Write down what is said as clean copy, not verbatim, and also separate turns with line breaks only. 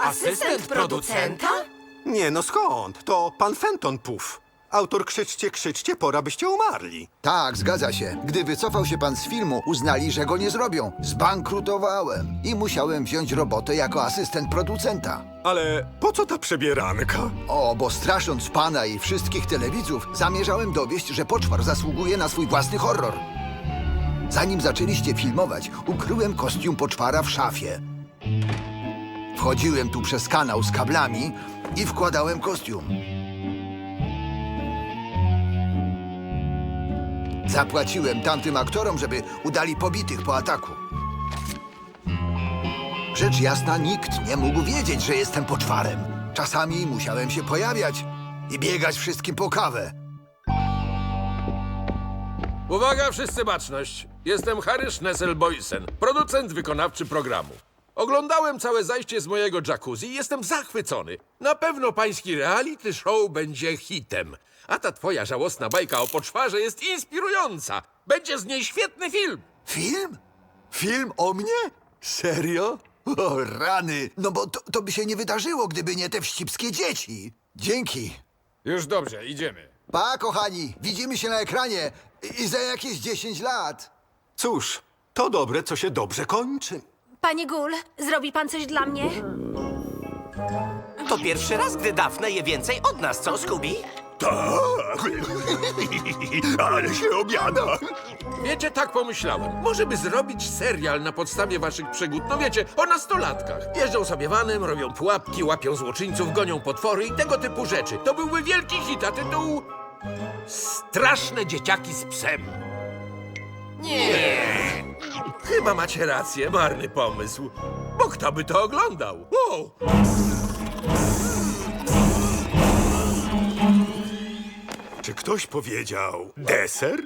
Asystent producenta?
Nie no skąd? To pan Fenton Puff. Autor Krzyczcie, krzyczcie, pora byście umarli.
Tak, zgadza się. Gdy wycofał się pan z filmu, uznali, że go nie zrobią. Zbankrutowałem i musiałem wziąć robotę jako asystent producenta.
Ale po co ta przebieranka?
O, bo strasząc pana i wszystkich telewidzów, zamierzałem dowieść, że Poczwar zasługuje na swój własny horror. Zanim zaczęliście filmować, ukryłem kostium Poczwara w szafie. Wchodziłem tu przez kanał z kablami i wkładałem kostium. Zapłaciłem tamtym aktorom, żeby udali pobitych po ataku. Rzecz jasna, nikt nie mógł wiedzieć, że jestem Poczwarem. Czasami musiałem się pojawiać i biegać wszystkim po kawę.
Uwaga, wszyscy baczność! Jestem Harry Schnessel-Boysen, producent wykonawczy programu. Oglądałem całe zajście z mojego jacuzzi i jestem zachwycony. Na pewno pański reality show będzie hitem. A ta twoja żałosna bajka o Poczwarze jest inspirująca. Będzie z niej świetny film.
Film? Film o mnie? Serio? O, rany! No bo to by się nie wydarzyło, gdyby nie te wścibskie dzieci. Dzięki.
Już dobrze, idziemy.
Pa, kochani, widzimy się na ekranie i za jakieś 10 lat.
Cóż, to dobre, co się dobrze kończy.
Panie Gul, zrobi pan coś dla mnie?
To pierwszy raz, gdy Daphne je więcej od nas, co, Scooby?
Ale się obiada.
Wiecie, tak pomyślałem. Może by zrobić serial na podstawie waszych przygód. No wiecie, o nastolatkach. Jeżdżą sobie vanem, robią pułapki, łapią złoczyńców, gonią potwory i tego typu rzeczy. To byłby wielki hit, a tytuł... Straszne dzieciaki z psem. Nie. Chyba macie rację, marny pomysł. Bo kto by to oglądał? Wow.
Czy ktoś powiedział deser?